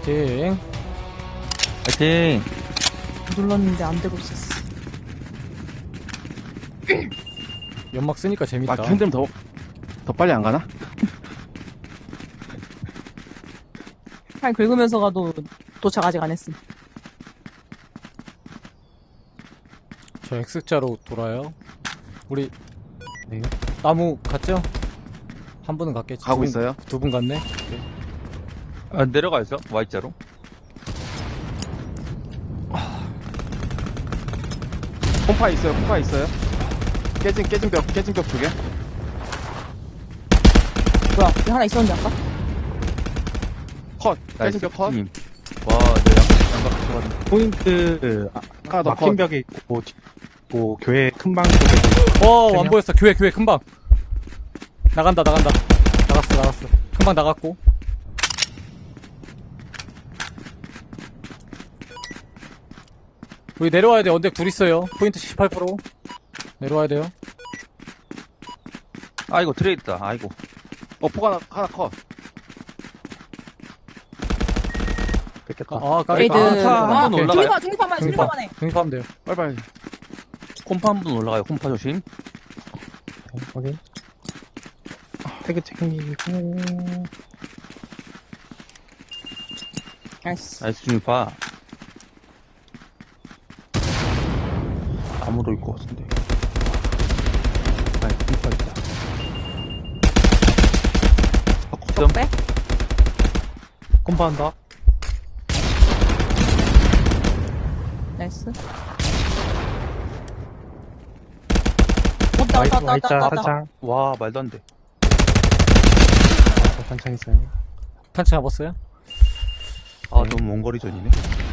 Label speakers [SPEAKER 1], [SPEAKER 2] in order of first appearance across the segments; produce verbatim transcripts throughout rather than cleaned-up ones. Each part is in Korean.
[SPEAKER 1] 파이팅.
[SPEAKER 2] 파이팅.
[SPEAKER 3] 눌렀는데 안 되고 있었어.
[SPEAKER 1] 연막 쓰니까 재밌다.
[SPEAKER 4] 아, 흔들면 더, 더 빨리 안 가나?
[SPEAKER 3] 팔 긁으면서 가도 도착 아직 안 했음.
[SPEAKER 1] 저 X자로 돌아요. 우리
[SPEAKER 4] 네.
[SPEAKER 1] 나무 갔죠? 한 분은 갔겠지.
[SPEAKER 4] 가고 있어요.
[SPEAKER 1] 두 분 갔네.
[SPEAKER 2] 아, 내려가 있어. Y자로.
[SPEAKER 4] 콤파 있어요, 콤파 있어요. 깨진, 깨진 벽, 깨진 벽 두 개.
[SPEAKER 3] 뭐야, 여기 하나 있었는데 아까?
[SPEAKER 4] 컷, 깨진
[SPEAKER 2] 나이스.
[SPEAKER 4] 벽 컷.
[SPEAKER 2] 님. 와, 내 양, 양각 좋아하네.
[SPEAKER 5] 포인트 아,
[SPEAKER 4] 하나 더
[SPEAKER 5] 막힌
[SPEAKER 4] 컷.
[SPEAKER 5] 벽에 있고 뒤- 뭐 교회 큰 방 쪽에
[SPEAKER 1] 어,
[SPEAKER 5] 세
[SPEAKER 1] 안
[SPEAKER 5] 명?
[SPEAKER 1] 보였어. 교회, 교회, 금방. 나간다, 나간다. 나갔어, 나갔어. 금방 나갔고. 우리 내려와야 돼. 언덕 둘 있어요. 포인트 칠십팔 퍼센트. 내려와야 돼요.
[SPEAKER 2] 아이고, 트레이 있다. 아이고.
[SPEAKER 4] 어, 포가 하나, 하나 컷.
[SPEAKER 5] 뺏겼다.
[SPEAKER 1] 아, 까비.
[SPEAKER 3] 레이드.
[SPEAKER 2] 아,
[SPEAKER 3] 아,
[SPEAKER 2] 한번 올라가요.
[SPEAKER 3] 중립화, 중립화만 해, 중립화만 해.
[SPEAKER 1] 중립하면 돼요.
[SPEAKER 4] 빨리빨리.
[SPEAKER 2] 콤파 한 분 올라가요. 콤파 조심.
[SPEAKER 5] 네, 확인. 태그 챙기고
[SPEAKER 3] 나이스.
[SPEAKER 2] 나이스 중립파. 나무도 있고 같은데.
[SPEAKER 5] 아이 컴파 있다.
[SPEAKER 2] 점.
[SPEAKER 3] 빼?
[SPEAKER 5] 컴파 한다.
[SPEAKER 3] 나이스. 왔다, 왔다,
[SPEAKER 5] 와이-
[SPEAKER 3] 왔다,
[SPEAKER 5] 와이자
[SPEAKER 3] 왔다, 왔다.
[SPEAKER 5] 사장.
[SPEAKER 2] 와, 말도 안 돼.
[SPEAKER 5] 아, 탄창 있어요.
[SPEAKER 1] 탄치 잡았어요?
[SPEAKER 2] 아, 너무 먼 거리 전이네.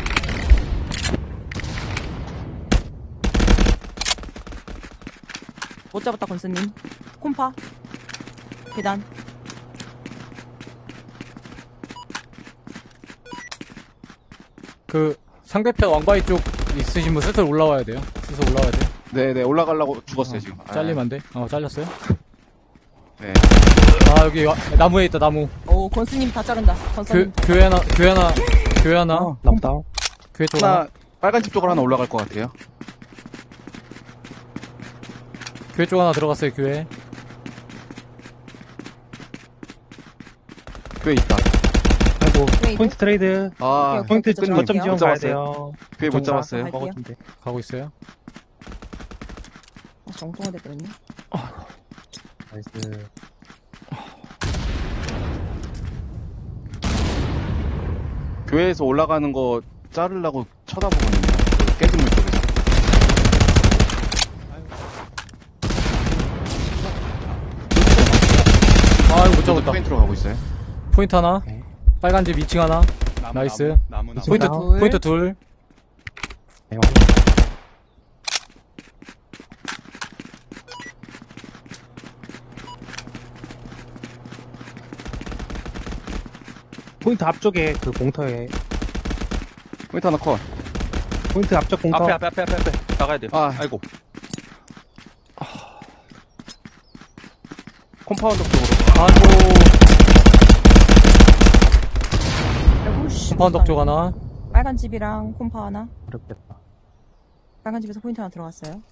[SPEAKER 3] 못 잡았다, 건스님. 콤파. 계단.
[SPEAKER 1] 그, 상대편 왕바위 쪽 있으신 분 슬슬 올라와야 돼요. 슬슬 올라와야 돼요.
[SPEAKER 4] 네네, 올라가려고 죽었어요, 지금. 아,
[SPEAKER 1] 잘리면 안 돼. 어, 잘렸어요.
[SPEAKER 4] 네.
[SPEAKER 1] 아, 여기 와- 나무에 있다, 나무.
[SPEAKER 3] 오, 건스님 다 자른다.
[SPEAKER 1] 교,
[SPEAKER 3] 건스님.
[SPEAKER 1] 교회 하나, 교회 하나, 교회 하나,
[SPEAKER 4] 어,
[SPEAKER 5] 나무다.
[SPEAKER 1] 교회 쪽 하나,
[SPEAKER 4] 하나, 빨간 집 쪽으로 하나 올라갈 것 같아요.
[SPEAKER 1] 교회 쪽 하나 들어갔어요, 교회.
[SPEAKER 4] 교회 있다.
[SPEAKER 5] 아이고
[SPEAKER 3] 트레이드?
[SPEAKER 5] 포인트 트레이드.
[SPEAKER 4] 아,
[SPEAKER 3] 오케이,
[SPEAKER 5] 포인트
[SPEAKER 3] 오케이,
[SPEAKER 5] 거점
[SPEAKER 3] 들어갈게요.
[SPEAKER 5] 지원
[SPEAKER 4] 못
[SPEAKER 5] 가야
[SPEAKER 4] 잡았어요.
[SPEAKER 5] 돼요.
[SPEAKER 4] 교회 못
[SPEAKER 1] 정말.
[SPEAKER 4] 잡았어요.
[SPEAKER 3] 갈게요.
[SPEAKER 5] 먹어주면 돼.
[SPEAKER 1] 가고 있어요.
[SPEAKER 3] 아, 정통화 됐거든요.
[SPEAKER 5] 나이스.
[SPEAKER 4] 교회에서 올라가는 거 자르려고 쳐다보거든요. 그 깨진 물 쪽에서.
[SPEAKER 1] 아이고, 못 잡았다.
[SPEAKER 4] 포인트로 가고 있어요.
[SPEAKER 1] 포인트 하나,
[SPEAKER 5] 오케이.
[SPEAKER 1] 빨간 집 이 층 하나,
[SPEAKER 4] 나무,
[SPEAKER 1] 나이스.
[SPEAKER 4] 나무, 나무, 나무.
[SPEAKER 1] 포인트,
[SPEAKER 5] 둘.
[SPEAKER 1] 포인트 둘.
[SPEAKER 5] 네, 확인. 포인트 앞쪽에 그 공터에
[SPEAKER 4] 포인트 하나 컷.
[SPEAKER 5] 포인트 앞쪽 공터.
[SPEAKER 2] 앞에, 앞에, 앞에, 앞에, 앞에. 나가야 돼요.
[SPEAKER 4] 아.
[SPEAKER 2] 아이고.
[SPEAKER 4] 콤파운드 쪽으로.
[SPEAKER 1] 아이고,
[SPEAKER 3] 아이고, 씨.
[SPEAKER 1] 컴파운드 쪽 하나.
[SPEAKER 3] 빨간 집이랑 콤파 하나.
[SPEAKER 5] 어렵겠다.
[SPEAKER 3] 빨간 집에서 포인트 하나 들어갔어요.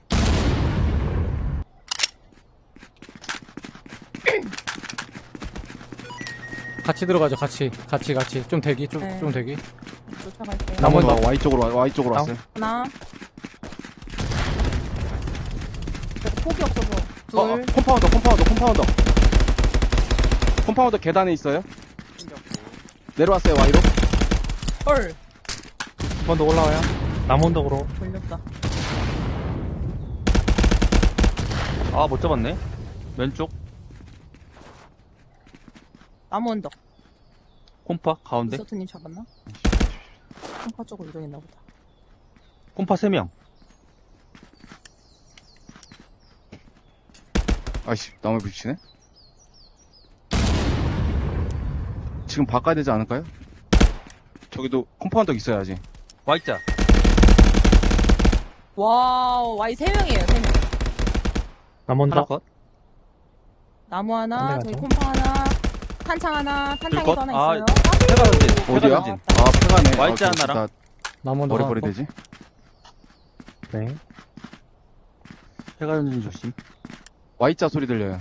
[SPEAKER 1] 같이 들어가죠, 같이. 같이, 같이. 좀 대기, 좀,
[SPEAKER 3] 네.
[SPEAKER 1] 좀 대기.
[SPEAKER 3] 쫓아갈게요.
[SPEAKER 1] 나무-
[SPEAKER 4] 나무 Y 쪽으로, 와- Y 쪽으로
[SPEAKER 5] 나무.
[SPEAKER 4] 왔어요.
[SPEAKER 3] 하나. 그래도 폭이 없어서. 둘.
[SPEAKER 4] 어, 어, 콤파운더, 콤파운더, 콤파운더. 콤파운더 계단에 있어요. 내려왔어요, Y로.
[SPEAKER 3] 헐.
[SPEAKER 5] 한 번 더 올라와요. 나무 언덕으로.
[SPEAKER 3] 걸렸다.
[SPEAKER 2] 아, 못 잡았네. 왼쪽.
[SPEAKER 3] 나무 언덕.
[SPEAKER 2] 콤파, 가운데.
[SPEAKER 3] 이서트님 잡았나? 콤파 쪽으로 이동했나 보다.
[SPEAKER 2] 콤파 세 명.
[SPEAKER 4] 아이씨, 나무 부딪히네. 지금 바꿔야 되지 않을까요? 저기도 콤파운더 있어야지.
[SPEAKER 2] Y자.
[SPEAKER 3] 와우, 와이 세 명이에요, 세 명.
[SPEAKER 5] 나무
[SPEAKER 2] 하나
[SPEAKER 5] 언덕.
[SPEAKER 2] 컷.
[SPEAKER 3] 나무 하나,
[SPEAKER 5] 안
[SPEAKER 3] 저기
[SPEAKER 5] 돼가죠?
[SPEAKER 3] 콤파 하나. 탄창 하나, 탄창에도
[SPEAKER 2] 불꽃?
[SPEAKER 3] 하나
[SPEAKER 2] 아,
[SPEAKER 3] 있어요.
[SPEAKER 2] 해가 던진.
[SPEAKER 4] 어디야?
[SPEAKER 2] 해가 던진.
[SPEAKER 4] 아, 폐가네.
[SPEAKER 2] 와이즈
[SPEAKER 4] 아,
[SPEAKER 2] 하나랑.
[SPEAKER 4] 다
[SPEAKER 1] 나무
[SPEAKER 4] 머리
[SPEAKER 1] 하나
[SPEAKER 4] 버리
[SPEAKER 1] 더.
[SPEAKER 4] 되지?
[SPEAKER 5] 네.
[SPEAKER 2] 해가 던진 조심.
[SPEAKER 4] Y자 소리 들려요.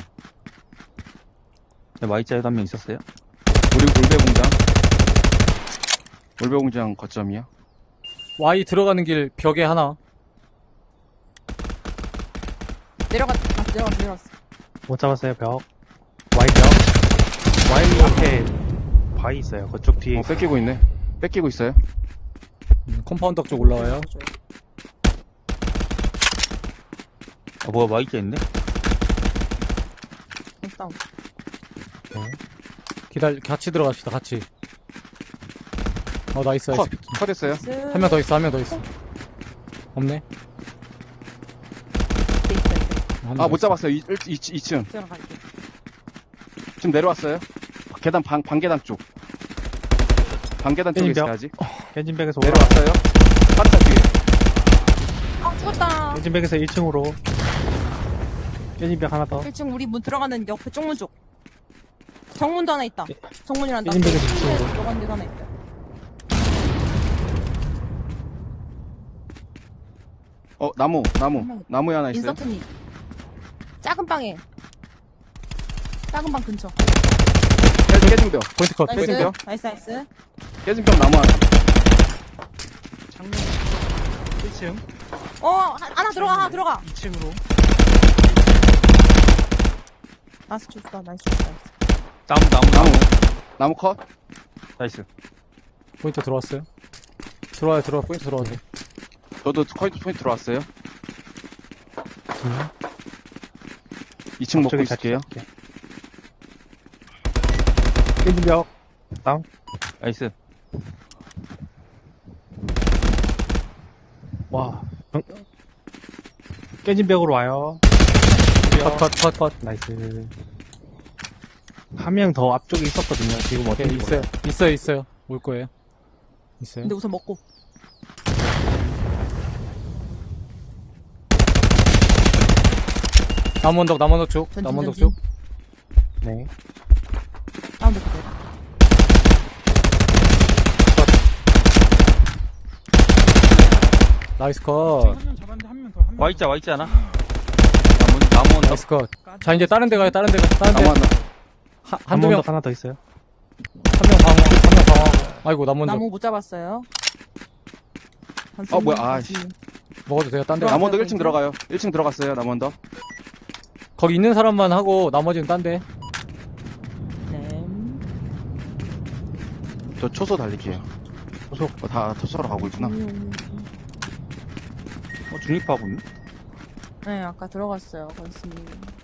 [SPEAKER 2] 네, Y자에도 한 명 있었어요.
[SPEAKER 4] 우리 울배공장. 울배공장 거점이야.
[SPEAKER 1] Y 들어가는 길 벽에 하나.
[SPEAKER 3] 내려갔, 아, 내려갔어, 내려갔어.
[SPEAKER 5] 못 잡았어요, 벽. Y 벽. Y 앞에 바위 있어요. 그쪽 뒤에.
[SPEAKER 4] 어, 뺏기고 있네. 뺏기고 있어요.
[SPEAKER 1] 음, 컴파운드 쪽 올라와요.
[SPEAKER 2] 아, 뭐야, Y자 있네?
[SPEAKER 3] 다운.
[SPEAKER 1] 기다려, 같이 들어갑시다, 같이. 어, 나이스,
[SPEAKER 4] 컷.
[SPEAKER 1] 나이스.
[SPEAKER 4] 컷했어요.
[SPEAKER 1] 한 명 더 있어, 한 명 더 있어. 없네. 한명
[SPEAKER 4] 아,
[SPEAKER 1] 더
[SPEAKER 4] 못
[SPEAKER 1] 있어.
[SPEAKER 4] 잡았어요. 이, 이, 이 층.
[SPEAKER 3] 들어갈게.
[SPEAKER 4] 지금 내려왔어요. 계단 방, 방계단 쪽. 방계단 쪽에
[SPEAKER 5] 땡겨.
[SPEAKER 4] 있어야지.
[SPEAKER 5] 엔진백에서 올라.
[SPEAKER 4] 내려왔어요. 파르타 뒤에.
[SPEAKER 3] 아, 죽었다.
[SPEAKER 5] 엔진백에서 일 층으로. 엔진백 하나 더.
[SPEAKER 3] 일 층 우리 문 들어가는 옆에 쪽문 쪽. 정문도 하나 있다. 정문이란다.
[SPEAKER 5] 일인백에서 이 층으로.
[SPEAKER 3] 들어가는 데도 하나 있다.
[SPEAKER 4] 어, 나무, 나무. 나무에 하나 있어요.
[SPEAKER 3] 인서트님. 작은 방에. 작은 방 근처.
[SPEAKER 4] 깨- 깨진 벽.
[SPEAKER 1] 포인트 컷.
[SPEAKER 3] 나이스.
[SPEAKER 4] 깨진겨?
[SPEAKER 3] 나이스, 나이스.
[SPEAKER 4] 깨진 벽 나무 하나.
[SPEAKER 5] 창문. 일 층.
[SPEAKER 3] 어, 하- 하나 들어가, 하나 들어가.
[SPEAKER 5] 이 층으로.
[SPEAKER 3] 나이스 좋다, 나이스 좋다. 나이스.
[SPEAKER 2] 나무, 나무,
[SPEAKER 4] 나무.
[SPEAKER 2] 나무.
[SPEAKER 4] 나무 컷.
[SPEAKER 2] 나이스.
[SPEAKER 1] 포인트 들어왔어요. 들어와요, 들어와, 포인트 들어와요.
[SPEAKER 4] 저도 포인트, 포인트 들어왔어요.
[SPEAKER 5] 음.
[SPEAKER 4] 이 층 먹고
[SPEAKER 5] 저기
[SPEAKER 4] 있을게요.
[SPEAKER 5] 같이 잡을게. 엔진벽. 다운.
[SPEAKER 2] 나이스.
[SPEAKER 5] 와. 응. 깨진 벽으로 와요.
[SPEAKER 1] 컷, 컷, 컷, 컷.
[SPEAKER 5] 나이스. 한 명 더 앞쪽에 있었거든요. 지금
[SPEAKER 1] 오케이,
[SPEAKER 5] 어떻게
[SPEAKER 1] 있어요. 있어요, 있어요. 올 거예요. 있어요.
[SPEAKER 3] 근데 우선 먹고.
[SPEAKER 1] 나무 언덕, 나무 언덕 쪽.
[SPEAKER 3] 전진,
[SPEAKER 1] 나무 언덕
[SPEAKER 3] 전진.
[SPEAKER 1] 쪽.
[SPEAKER 5] 네.
[SPEAKER 3] 다운돼 그대로.
[SPEAKER 1] 나이스 컷.
[SPEAKER 2] Y자, Y자 하나. 나무, 나무 언덕.
[SPEAKER 1] 나이스 컷. 자, 이제 다른 데 가요, 다른 데 가. 다른 데.
[SPEAKER 4] 나무 하나.
[SPEAKER 1] 한,
[SPEAKER 5] 한
[SPEAKER 1] 한두
[SPEAKER 5] 번
[SPEAKER 1] 명,
[SPEAKER 5] 더 하나 더 있어요.
[SPEAKER 1] 한 명 방어, 한 명 방어. 아이고, 나무 언덕.
[SPEAKER 3] 나무 못 잡았어요.
[SPEAKER 4] 어, 뭐야, 아, 씨.
[SPEAKER 1] 먹어도 돼요, 딴 데.
[SPEAKER 3] 들어와.
[SPEAKER 4] 나무 언덕 일 층 들어가요. 일 층 들어갔어요, 나무 언덕.
[SPEAKER 1] 거기 있는 사람만 하고, 나머지는 딴 데.
[SPEAKER 3] 네.
[SPEAKER 4] 저 초소 달릴게요.
[SPEAKER 5] 소속.
[SPEAKER 4] 어, 다 초소로 가고 있구나.
[SPEAKER 3] 음,
[SPEAKER 2] 어, 중립하고 있네.
[SPEAKER 3] 네, 아까 들어갔어요, 건스님.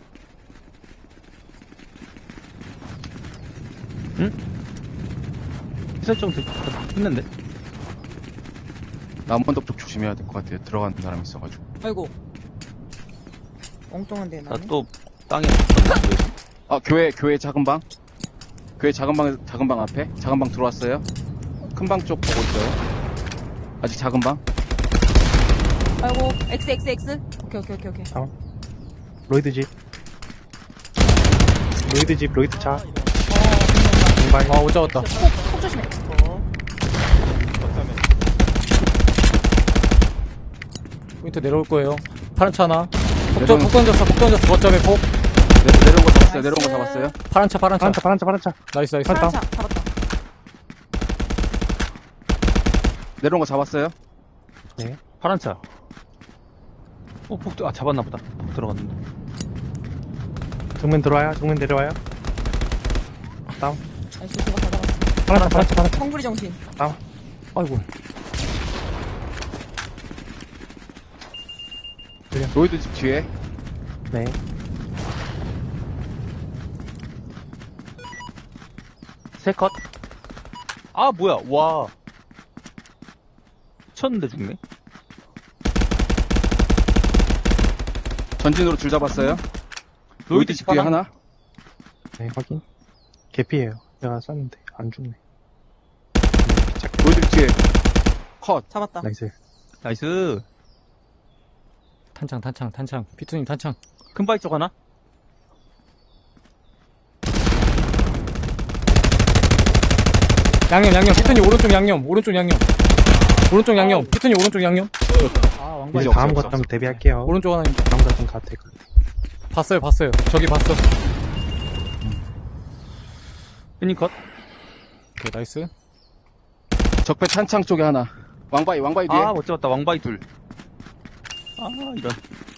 [SPEAKER 2] 설정 됐, 했는데.
[SPEAKER 4] 나무 언덕 쪽 조심해야 될 것 같아요. 들어가는 사람이 있어가지고.
[SPEAKER 3] 아이고. 엉뚱한 데
[SPEAKER 2] 나
[SPEAKER 3] 나네.
[SPEAKER 2] 또 땅에 붙었네.
[SPEAKER 4] 아, 교회, 교회 작은 방. 교회 작은 방, 작은 방 앞에. 작은 방 들어왔어요. 큰 방 쪽 보고 있어요. 아직 작은 방.
[SPEAKER 3] 아이고, X, X, X. 오케이, 오케이, 오케이, 오케이.
[SPEAKER 5] 로이드 집. 로이드 집, 로이드 차.
[SPEAKER 3] 어, 분명히.
[SPEAKER 5] 공발.
[SPEAKER 1] 아, 못 잡았다.
[SPEAKER 3] 폭, 폭 조심해.
[SPEAKER 1] 포인트 내려올 거예요. 파란 차 하나. 폭,
[SPEAKER 4] 내려오는-
[SPEAKER 1] 폭 던졌어, 폭 던졌어. 거점에 폭.
[SPEAKER 4] 내, 내려온 거 잡았어요. 내려온 거
[SPEAKER 3] 나이스.
[SPEAKER 4] 잡았어요.
[SPEAKER 1] 파란 차, 파란 차.
[SPEAKER 5] 파란차, 파란차, 파란차.
[SPEAKER 1] 나이스, 나이스.
[SPEAKER 3] 파란 차, 잡았다.
[SPEAKER 4] 내려온 거 잡았어요.
[SPEAKER 2] 파란 차. 어, 폭, 아, 잡았나 보다. 폭 들어갔는데.
[SPEAKER 5] 정면 들어와요, 정면 내려와요. 다운.
[SPEAKER 3] 나이스, 저거 다 잡았어.
[SPEAKER 5] 파란차, 파란차, 파란차.
[SPEAKER 3] 성구리 정신.
[SPEAKER 1] 아이고.
[SPEAKER 4] 로이드 집 뒤에.
[SPEAKER 5] 네.
[SPEAKER 2] 세 컷. 아, 뭐야. 와. 쳤는데 죽네.
[SPEAKER 4] 전진으로 줄 잡았어요. 로이드 집 뒤에 하나.
[SPEAKER 5] 네, 확인. 개피예요. 내가 쐈는데 안 죽네.
[SPEAKER 4] 로이드 집 뒤에. 컷.
[SPEAKER 3] 잡았다.
[SPEAKER 5] 나이스.
[SPEAKER 2] 나이스.
[SPEAKER 1] 탄창, 탄창, 탄창. 피투님 탄창.
[SPEAKER 2] 큰 바위 쪽 하나?
[SPEAKER 1] 양념, 양념. 피트님 오른쪽 양념, 오른쪽 양념. 오른쪽 양념. 피트님 오른쪽 양념.
[SPEAKER 5] 아, 왕바이
[SPEAKER 4] 이제
[SPEAKER 5] 다음
[SPEAKER 4] 없어,
[SPEAKER 5] 것
[SPEAKER 4] 없어,
[SPEAKER 5] 좀 대비할게요.
[SPEAKER 1] 오른쪽 하나.
[SPEAKER 5] 다음 것좀 같아.
[SPEAKER 1] 봤어요, 봤어요. 저기 봤어.
[SPEAKER 2] 피닝 컷.
[SPEAKER 1] 오케이, 나이스.
[SPEAKER 4] 적배 탄창 쪽에 하나. 왕바이, 왕바이 뒤에.
[SPEAKER 2] 아, 못 잡았다. 왕바이 둘. 아, 이런.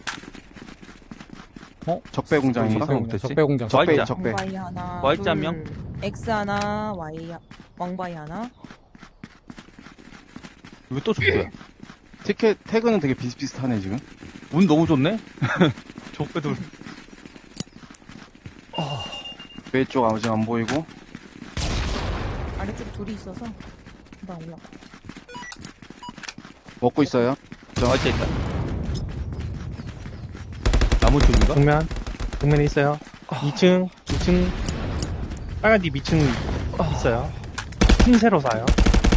[SPEAKER 4] 적배 공장인가?
[SPEAKER 2] 적배 공장.
[SPEAKER 1] 적배 공장.
[SPEAKER 2] 저-
[SPEAKER 4] 적배,
[SPEAKER 2] Y자.
[SPEAKER 4] 적배.
[SPEAKER 3] 왕바이 하나.
[SPEAKER 2] Y자 한
[SPEAKER 3] 둘,
[SPEAKER 2] 명?
[SPEAKER 3] X 하나, Y, 하- 왕바이 하나.
[SPEAKER 2] 이거 또 적배야.
[SPEAKER 4] 티켓, 태그는 되게 비슷비슷하네, 지금.
[SPEAKER 2] 운 너무 좋네? 적배 둘.
[SPEAKER 4] 왼쪽 아직 안 보이고.
[SPEAKER 3] 아래쪽에 둘이 있어서. 금방 올라가.
[SPEAKER 4] 먹고 있어요.
[SPEAKER 2] Y자 있다. 나무 쪽인가?
[SPEAKER 5] 정면. 정면에 있어요. 이 층, 이 층. 빨간 집 이 층 있어요. 흰새로 사요.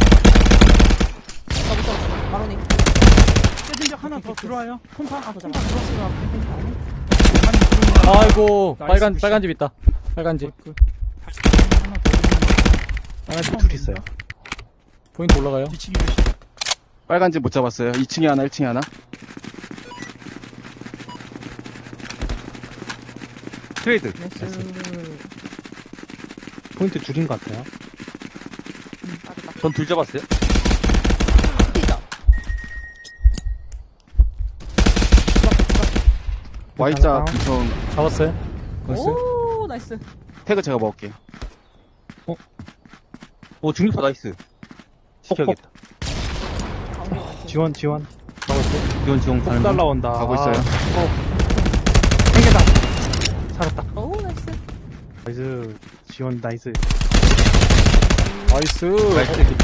[SPEAKER 3] 더블 떨었어. 마로니.
[SPEAKER 6] 깨진 적 하나 더 들어와요. 콤파,
[SPEAKER 3] 아, 더
[SPEAKER 6] 콤파
[SPEAKER 3] 잡아.
[SPEAKER 6] 들어왔어요.
[SPEAKER 1] 아이고,
[SPEAKER 6] 나이스
[SPEAKER 1] 빨간,
[SPEAKER 6] 굿샷.
[SPEAKER 1] 빨간 집 있다. 빨간 집.
[SPEAKER 6] 하나 더 있는
[SPEAKER 5] 빨간 집 둘 있어요.
[SPEAKER 1] 포인트 올라가요.
[SPEAKER 6] 뒤치기 조심.
[SPEAKER 4] 빨간 집 못 잡았어요. 이 층에 하나, 일 층에 하나.
[SPEAKER 2] 트레이드.
[SPEAKER 3] 나이스.
[SPEAKER 5] 포인트 둘인 것 같아요.
[SPEAKER 3] 음, 빠르다.
[SPEAKER 2] 전 둘 잡았어요.
[SPEAKER 3] 뛰자.
[SPEAKER 4] Y자
[SPEAKER 5] 하나.
[SPEAKER 4] 구성
[SPEAKER 1] 잡았어요. 나이스.
[SPEAKER 3] 오, 나이스.
[SPEAKER 4] 태그 제가 먹을게요.
[SPEAKER 2] 오, 중립파 나이스. 지켜야겠다.
[SPEAKER 3] 가운데 나이스.
[SPEAKER 5] 지원, 지원.
[SPEAKER 2] 이건 지원
[SPEAKER 5] 폭
[SPEAKER 2] 가는 중.
[SPEAKER 5] 날라온다.
[SPEAKER 4] 가고 있어요.
[SPEAKER 5] 한 개다. 살았다.
[SPEAKER 3] 오, 나이스.
[SPEAKER 5] 나이스. 지원, 나이스.
[SPEAKER 1] 나이스.
[SPEAKER 2] 나이스 개피.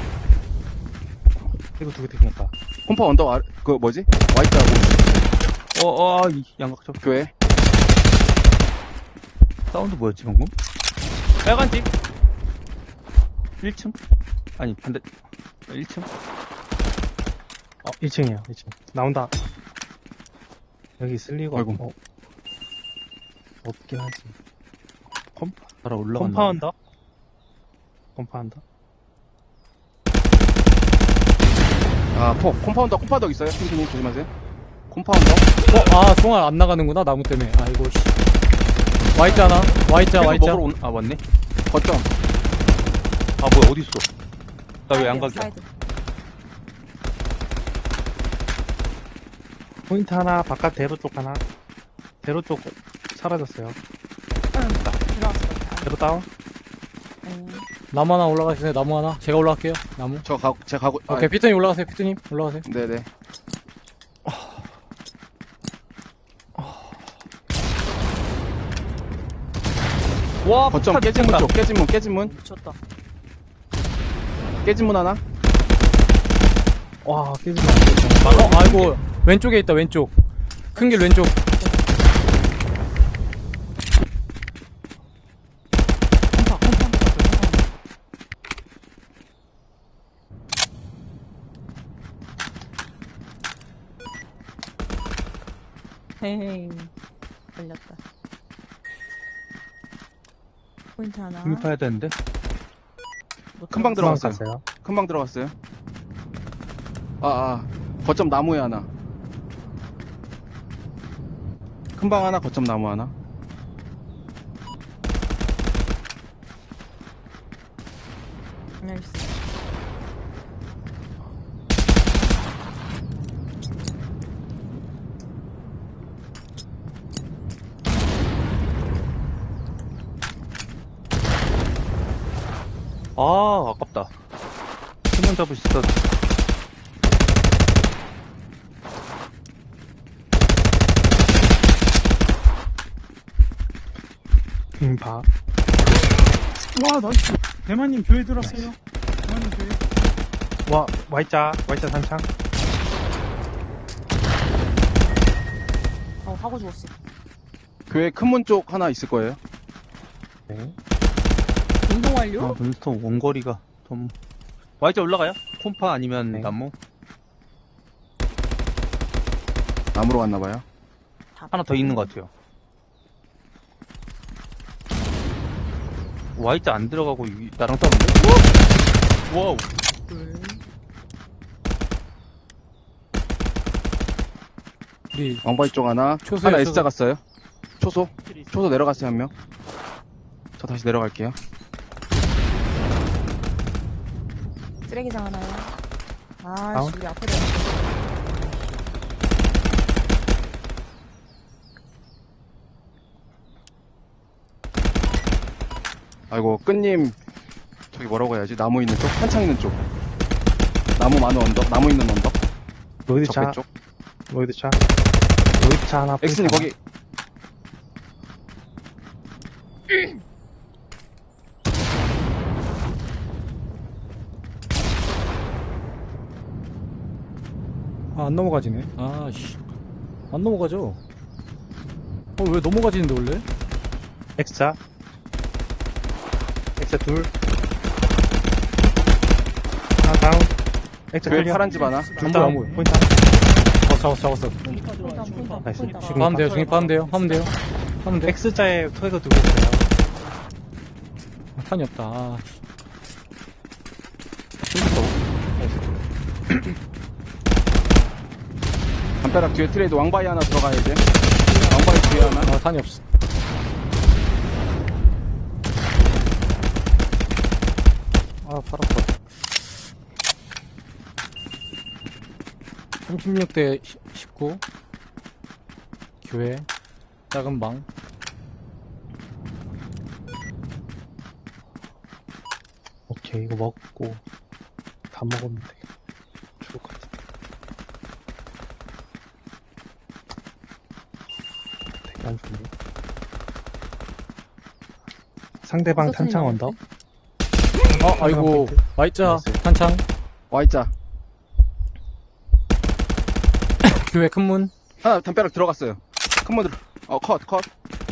[SPEAKER 5] 이거 두개 생겼다.
[SPEAKER 4] 콤파 언덕 아, 그 뭐지? Y자고
[SPEAKER 2] 어, 어, 이 양각적.
[SPEAKER 4] 교회.
[SPEAKER 2] 사운드 뭐였지, 방금? 빨간 집. 일 층? 아니, 반대. 일 층?
[SPEAKER 5] 어, 일 층이에요, 일 층. 나온다. 여기 있을 리가
[SPEAKER 4] 아이고.
[SPEAKER 5] 어, 없긴 하지.
[SPEAKER 2] 컴파. 따라 올라간다.
[SPEAKER 5] 컴파운더? 컴파운더?
[SPEAKER 4] 아, 포, 콤파운더, 콤파운더 있어요. 핑크님 조심하세요. 콤파운더.
[SPEAKER 1] 어, 아, 총알 안 나가는구나, 나무 때문에. 아이고, 씨. Y자 하나. Y자,
[SPEAKER 2] 계속
[SPEAKER 1] Y자.
[SPEAKER 2] 먹으러 온, 아, 맞네.
[SPEAKER 4] 거점.
[SPEAKER 2] 아, 뭐야, 어딨어? 나 왜 안
[SPEAKER 3] 사이드야,
[SPEAKER 2] 갈게?
[SPEAKER 3] 사이드.
[SPEAKER 5] 포인트 하나, 바깥 대로 쪽 하나. 대로 쪽 사라졌어요.
[SPEAKER 3] 들어왔어.
[SPEAKER 5] 대로 다운?
[SPEAKER 3] 음.
[SPEAKER 1] 나무 하나 올라가세요, 나무 하나. 제가 올라갈게요, 나무.
[SPEAKER 4] 저 가, 제가 가고. 아,
[SPEAKER 1] 오케이, 피트님 올라가세요, 피트님. 올라가세요.
[SPEAKER 4] 네네.
[SPEAKER 2] 와,
[SPEAKER 4] 거점
[SPEAKER 2] 폭탄
[SPEAKER 4] 깨진 문
[SPEAKER 2] 쏜다.
[SPEAKER 4] 쪽, 깨진 문, 깨진 문.
[SPEAKER 3] 미쳤다.
[SPEAKER 4] 깨진 문 하나.
[SPEAKER 5] 와, 깨지면 안 되죠.
[SPEAKER 1] 어, 아이고. 왼쪽에 있다, 왼쪽. 큰 길 왼쪽.
[SPEAKER 6] 콤파, 콤파 한번 갔어요.
[SPEAKER 3] 헤헤이. 걸렸다. 포인트 하나.
[SPEAKER 2] 중립파야 되는데?
[SPEAKER 3] 못
[SPEAKER 4] 금방
[SPEAKER 3] 들어갔어.
[SPEAKER 4] 들어갔어요.
[SPEAKER 5] 갔어요.
[SPEAKER 4] 금방 들어갔어요. 아, 아. 거점 나무에 하나. 큰 방 하나, 거점 나무 하나.
[SPEAKER 3] 나이스.
[SPEAKER 2] 아, 아깝다. 한명 잡을 수 있어.
[SPEAKER 5] 음, 봐.
[SPEAKER 6] 와, 나이스. 대만님 교회 들었어요. 대만님 교회.
[SPEAKER 5] 와, Y자, Y자 산창.
[SPEAKER 3] 어, 하고 죽었어.
[SPEAKER 4] 교회 큰 문 쪽 하나 있을 거예요.
[SPEAKER 5] 네.
[SPEAKER 3] 운동 완료?
[SPEAKER 2] 아, 몬스터 원거리가 좀. Y자 올라가요? 콤파 아니면
[SPEAKER 5] 네.
[SPEAKER 2] 나무?
[SPEAKER 4] 나무로 왔나봐요.
[SPEAKER 2] 하나 더 있는 것 같아요. Y자 안 들어가고 이- 나랑 싸우는데? 와우.
[SPEAKER 1] 우리
[SPEAKER 4] 왕바위 쪽 하나.
[SPEAKER 1] 초소에
[SPEAKER 4] 하나
[SPEAKER 1] 초소.
[SPEAKER 4] S자 갔어요. 초소. 초소 내려갔어요, 한 명. 저 다시 내려갈게요.
[SPEAKER 3] 쓰레기장 하나요. 아,
[SPEAKER 5] 다운.
[SPEAKER 3] 씨, 우리 앞에 대는
[SPEAKER 4] 아이고, 끈님. 저기 뭐라고 해야지? 나무 있는 쪽? 한창 있는 쪽. 나무 많은 언덕? 나무 있는 언덕?
[SPEAKER 5] 로이드 차,
[SPEAKER 4] 적배 쪽?
[SPEAKER 5] 로이드 차. 로이드 차 하나.
[SPEAKER 4] 엑스님,
[SPEAKER 5] 포인트
[SPEAKER 4] 거기.
[SPEAKER 1] 아, 안 넘어가지네. 아, 씨. 안 넘어가죠. 어, 왜 넘어가지는데, 원래?
[SPEAKER 5] 하나. X자. X자 둘. 하나 다운. X자
[SPEAKER 4] 교회
[SPEAKER 5] 클리어.
[SPEAKER 4] 파란 집 하나?
[SPEAKER 1] 안 보여,
[SPEAKER 5] 다운.
[SPEAKER 1] 안 보여.
[SPEAKER 5] 포인트 하나.
[SPEAKER 1] 잡았어, 잡았어, 잡았어.
[SPEAKER 3] 포인트, 포인트,
[SPEAKER 5] 나이스.
[SPEAKER 3] 포인트.
[SPEAKER 5] 지금
[SPEAKER 1] 하면 돼요, 중립하면 돼요, 하면 돼요. 하면 돼.
[SPEAKER 5] X자에 토해가 두고 있어요.
[SPEAKER 1] 아, 탄이 없다. 아,
[SPEAKER 4] 담벼락 뒤에 트레이드 왕바위 하나 들어가야 돼. 왕바위 뒤에 하나.
[SPEAKER 1] 아, 탄이 없어. 아, 팔 아파. 삼십육 대 십구. 교회. 작은 방.
[SPEAKER 5] 오케이, 이거 먹고 다 먹으면 돼. 죽을 것 같아. 되게 안 좋네. 상대방
[SPEAKER 3] 어디서
[SPEAKER 5] 탄창
[SPEAKER 3] 소리
[SPEAKER 5] 언덕.
[SPEAKER 1] 어, 아이고.
[SPEAKER 5] 포인트.
[SPEAKER 1] Y자,
[SPEAKER 5] 나이스.
[SPEAKER 1] 탄창.
[SPEAKER 4] Y자.
[SPEAKER 1] 교회 큰 문.
[SPEAKER 4] 하나 담벼락 들어갔어요. 큰 문 들어. 어, 컷, 컷.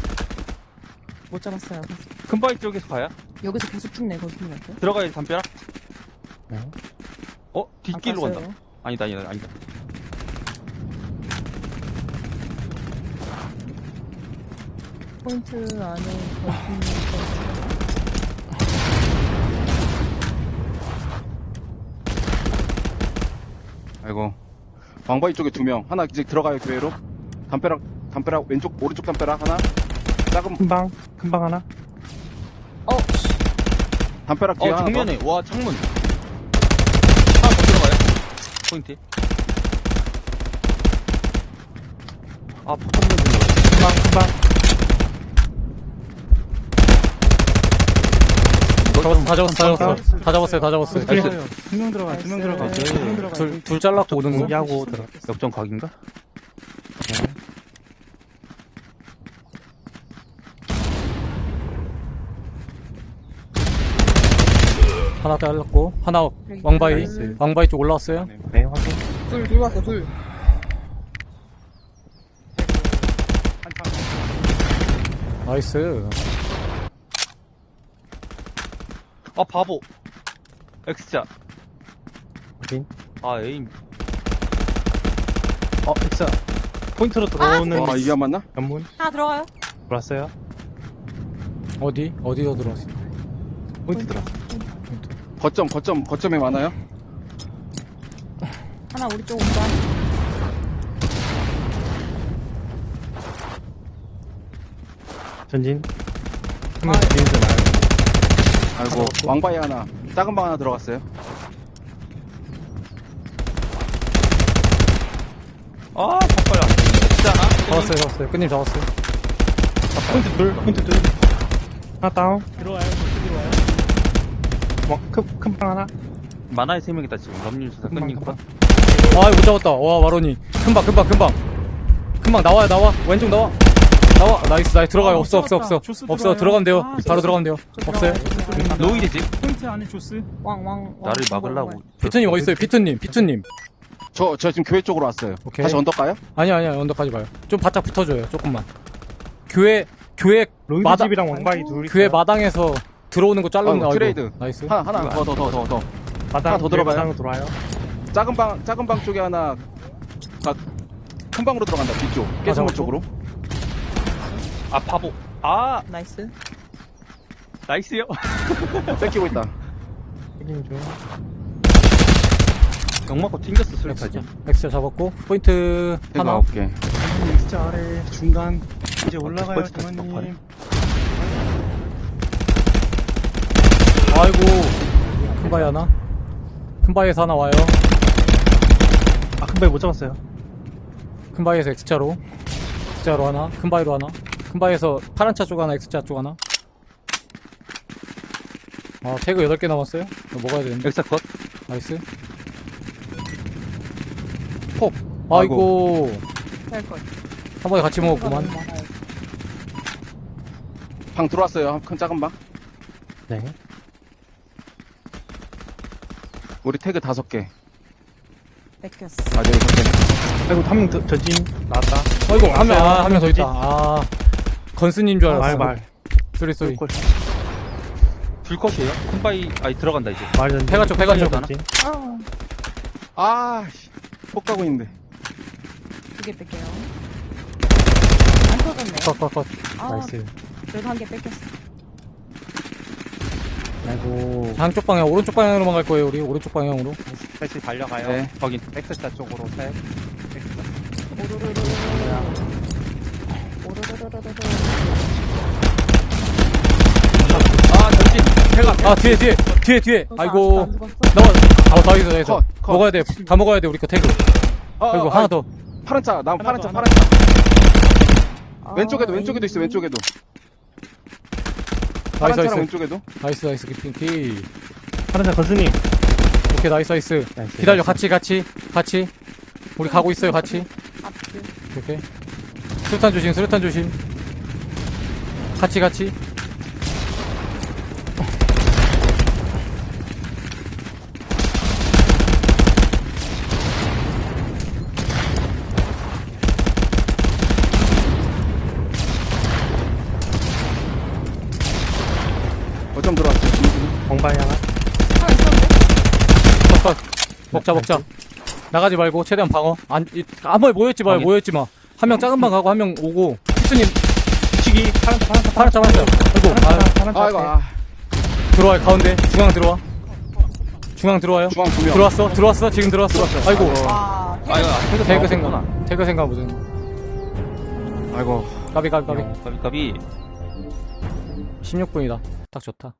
[SPEAKER 3] 못 잡았어요.
[SPEAKER 2] 큰 바위 쪽에서 가야?
[SPEAKER 3] 여기서 계속 쭉 내고 있는데.
[SPEAKER 2] 들어가야 담벼락?
[SPEAKER 5] 네.
[SPEAKER 2] 어? 뒷길로
[SPEAKER 3] 안
[SPEAKER 2] 간다.
[SPEAKER 3] 깠어요.
[SPEAKER 2] 아니다, 아니다, 아니다.
[SPEAKER 3] 포인트 안에 거기
[SPEAKER 4] 아이고. 왕바위 쪽에 두 명. 하나 이제 들어가요, 교회로. 담벼락, 담벼락, 왼쪽, 오른쪽 담벼락 하나. 작은,
[SPEAKER 5] 큰방, 큰방 하나.
[SPEAKER 3] 어, 씨.
[SPEAKER 4] 담벼락 뒤에
[SPEAKER 2] 어,
[SPEAKER 4] 하나.
[SPEAKER 2] 정면에. 와, 창문. 하나 더 들어가요? 포인트. 아, 포탄 들어.
[SPEAKER 5] 큰방, 큰방.
[SPEAKER 1] 잡았어, 다 잡았어, 다 잡았어. 다 잡았어요, 다 잡았어요.
[SPEAKER 5] 클리어.
[SPEAKER 6] 두명 들어가, 두 명 들어가.
[SPEAKER 3] 나이스.
[SPEAKER 6] 두명 들어가.
[SPEAKER 1] 둘, 둘 잘랐고 오는 거.
[SPEAKER 5] 공개하고 들어.
[SPEAKER 2] 역전 각인가?
[SPEAKER 1] 하나 잘랐고. 하나 왕바위.
[SPEAKER 5] 나이스.
[SPEAKER 1] 왕바위 쪽 올라왔어요.
[SPEAKER 5] 네, 확인.
[SPEAKER 3] 둘, 둘 왔어, 둘.
[SPEAKER 1] 나이스.
[SPEAKER 2] 아, 바보. X자.
[SPEAKER 5] 확인.
[SPEAKER 2] 아, 에임.
[SPEAKER 5] 어, X자. 포인트로 들어오는
[SPEAKER 4] 와, 이게 안 맞나?
[SPEAKER 5] 연문
[SPEAKER 3] 하나 들어가요.
[SPEAKER 5] 들어왔어요.
[SPEAKER 1] 어디? 어디서 들어왔어?
[SPEAKER 5] 포인트 들어.
[SPEAKER 4] 거점, 거점, 거점에 많아요?
[SPEAKER 3] 하나 우리 쪽 온다.
[SPEAKER 5] 전진. 한명 뒤에서 나요.
[SPEAKER 4] 아이고, 왕바위 하나. 작은 방 하나 들어갔어요.
[SPEAKER 2] 아, 바꿔요. X자 하나?
[SPEAKER 1] 잡았어요, 잡았어요. 끝님 잡았어요.
[SPEAKER 5] 아, 포인트 둘, 포인트 둘. 하나 다운.
[SPEAKER 6] 들어와요, 들어와요.
[SPEAKER 5] 뭐, 큰, 큰방 하나.
[SPEAKER 2] 만화의 세 명이다, 지금. 럼률 수사
[SPEAKER 5] 금방,
[SPEAKER 2] 끝님 컷.
[SPEAKER 1] 아, 못 잡았다. 와, 마로니. 금방, 금방, 금방. 금방 나와요, 나와. 왼쪽 나와. 나와. 나이스, 나이스. 들어가요.
[SPEAKER 6] 아,
[SPEAKER 1] 없어,
[SPEAKER 6] 못
[SPEAKER 1] 없어,
[SPEAKER 6] 잡았다.
[SPEAKER 1] 없어.
[SPEAKER 6] 조스
[SPEAKER 1] 없어.
[SPEAKER 6] 들어와요.
[SPEAKER 1] 들어가면 돼요.
[SPEAKER 6] 아,
[SPEAKER 1] 바로 들어가면 돼요. 없어요.
[SPEAKER 2] 로이드지?
[SPEAKER 6] 포인트 안에 조스.
[SPEAKER 3] 왕, 왕, 왕.
[SPEAKER 2] 나를
[SPEAKER 3] 왕,
[SPEAKER 2] 막으려고.
[SPEAKER 3] 왕.
[SPEAKER 1] 피트님 어디 있어요? 피트님, 피트님.
[SPEAKER 4] 저, 저 지금 교회 쪽으로 왔어요.
[SPEAKER 1] 오케이.
[SPEAKER 4] 다시 언덕 가요?
[SPEAKER 1] 아니야, 아니야. 언덕까지 봐요. 좀 바짝 붙어줘요. 조금만. 교회, 교회,
[SPEAKER 5] 로이드
[SPEAKER 1] 마다-
[SPEAKER 5] 집이랑 왕바이 둘.
[SPEAKER 1] 교회
[SPEAKER 5] 있어요.
[SPEAKER 1] 마당에서 들어오는 거 자르는
[SPEAKER 4] 아이고,
[SPEAKER 1] 거.
[SPEAKER 4] 트레이드.
[SPEAKER 1] 나이스.
[SPEAKER 4] 하나, 하나, 더, 더, 더, 더, 더.
[SPEAKER 5] 마당
[SPEAKER 4] 하나 더 들어가요?
[SPEAKER 5] 마당으로 들어와요.
[SPEAKER 4] 작은 방, 작은 방 쪽에 하나, 가, 큰 방으로 들어간다, 뒤쪽. 깨성물
[SPEAKER 1] 잡았고.
[SPEAKER 4] 쪽으로.
[SPEAKER 2] 아, 바보. 아,
[SPEAKER 3] 나이스.
[SPEAKER 2] 나이스요.
[SPEAKER 4] 뺏기고 있다.
[SPEAKER 5] 확인 중.
[SPEAKER 2] 영 맞고 튕겼어,
[SPEAKER 1] 엑스자
[SPEAKER 2] 수리까지.
[SPEAKER 1] 엑스자 잡았고 포인트
[SPEAKER 4] 태그
[SPEAKER 1] 하나.
[SPEAKER 4] 아홉 개.
[SPEAKER 6] 진짜 아래 중간 이제 올라가요
[SPEAKER 2] 벌써 다시
[SPEAKER 6] 대만님.
[SPEAKER 1] 아이고 큰 바위 하나. 큰 바위에서 하나 와요.
[SPEAKER 5] 아, 큰 바위 못 잡았어요.
[SPEAKER 1] 큰 바위에서 X자로 X자로 하나. 큰 바위로 하나. 큰 바위에서 파란 차 쪽 하나. X자 쪽 하나. 아 태그 여덟 개 남았어요. 이거 먹어야 되는데.
[SPEAKER 2] 엑사 컷.
[SPEAKER 1] 나이스.
[SPEAKER 4] 폭.
[SPEAKER 1] 아이고
[SPEAKER 3] 될걸.
[SPEAKER 1] 한 번에 같이 먹었구만.
[SPEAKER 4] 방 들어왔어요. 큰 작은 방.
[SPEAKER 5] 네.
[SPEAKER 4] 우리 태그 다섯 개.
[SPEAKER 3] 뺏겼어.
[SPEAKER 4] 아, 네, 여섯 개.
[SPEAKER 5] 아이고, 한 명 전진 나왔다.
[SPEAKER 1] 아이고 한 명 아, 한 명 더
[SPEAKER 5] 전진.
[SPEAKER 1] 있다. 아 건스님 줄 알았어.
[SPEAKER 5] 말, 말.
[SPEAKER 1] 쏘리 쏘리.
[SPEAKER 5] 꼴.
[SPEAKER 2] 둘 컷이에요? 큰 바위, 아니, 들어간다, 이제.
[SPEAKER 5] 말 전진.
[SPEAKER 1] 폐가 쪽, 폐가 쪽.
[SPEAKER 5] 전진.
[SPEAKER 3] 아,
[SPEAKER 4] 아, 씨. 폭 가고 있는데.
[SPEAKER 3] 두 개 뺄게요. 안 터졌네.
[SPEAKER 1] 컷컷컷.
[SPEAKER 3] 아,
[SPEAKER 5] 나이스.
[SPEAKER 3] 그래도 한 개 뺏겼어.
[SPEAKER 5] 아이고.
[SPEAKER 1] 한쪽 방향 오른쪽 방향으로만 갈 거예요 우리. 오른쪽 방향으로.
[SPEAKER 5] 셋이 달려가요.
[SPEAKER 4] 네.
[SPEAKER 2] 확인.
[SPEAKER 5] X자 쪽으로 셋.
[SPEAKER 3] 오르르르르르. 오르르르르르.
[SPEAKER 2] 아, 전진. 태가.
[SPEAKER 1] 아 뒤에 뒤에 뒤에 뒤에.
[SPEAKER 3] 너
[SPEAKER 1] 아이고
[SPEAKER 3] 아직도 안 죽었어?
[SPEAKER 1] 나와. 아 다 있어 다 있어.
[SPEAKER 4] 컷, 컷.
[SPEAKER 1] 먹어야 돼. 다 먹어야 돼 우리 거 태그.
[SPEAKER 4] 아,
[SPEAKER 1] 아이고
[SPEAKER 4] 아,
[SPEAKER 1] 하나
[SPEAKER 4] 아,
[SPEAKER 1] 더.
[SPEAKER 4] 파란 차. 나 파란 차,
[SPEAKER 6] 하나
[SPEAKER 4] 파란 차.
[SPEAKER 3] 아,
[SPEAKER 4] 왼쪽에도, 왼쪽에도 있어,
[SPEAKER 3] 에이.
[SPEAKER 4] 왼쪽에도. 파란
[SPEAKER 1] 나이스
[SPEAKER 4] 차랑
[SPEAKER 1] 나이스.
[SPEAKER 4] 왼쪽에도.
[SPEAKER 1] 나이스 나이스 기핑키.
[SPEAKER 5] 하나자 건스님.
[SPEAKER 1] 오케이 나이스 나이스.
[SPEAKER 5] 나이스,
[SPEAKER 1] 기다려
[SPEAKER 5] 나이스.
[SPEAKER 1] 같이 같이 같이. 우리 가고 있어요 같이.
[SPEAKER 3] 앞뒤.
[SPEAKER 1] 오케이. 수류탄 조심 수류탄 조심. 같이 같이.
[SPEAKER 4] 어쩜 들어왔어?
[SPEAKER 5] 공바위 하나.
[SPEAKER 3] 하나 있었는데?
[SPEAKER 1] 컷, 컷. 먹자, 먹자. 나가지 말고, 최대한 방어. 안, 이, 아무 모였지 마,
[SPEAKER 2] 방해.
[SPEAKER 1] 모였지 마. 한 명 작은 방 가고, 한 명 오고. 피스님,
[SPEAKER 5] 치기. 파란 차, 파란 차,
[SPEAKER 1] 파란 짜 파란 짜 아이고, 아,
[SPEAKER 5] 파란 차.
[SPEAKER 4] 아이고, 아.
[SPEAKER 1] 들어와요, 가운데. 중앙 들어와. 중앙 들어와요.
[SPEAKER 4] 중앙 두 명.
[SPEAKER 1] 들어왔어, 들어왔어, 지금 들어왔어. 아이고,
[SPEAKER 3] 와,
[SPEAKER 2] 아, 이거, 태그
[SPEAKER 1] 태그
[SPEAKER 2] 나왔구나.
[SPEAKER 1] 생각. 태그 생각 보전.
[SPEAKER 4] 아이고.
[SPEAKER 1] 까비, 까비, 까비.
[SPEAKER 2] 까비, 까비.
[SPEAKER 1] 십육 분이다. 딱 좋다.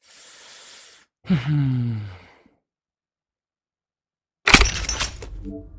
[SPEAKER 1] 흠.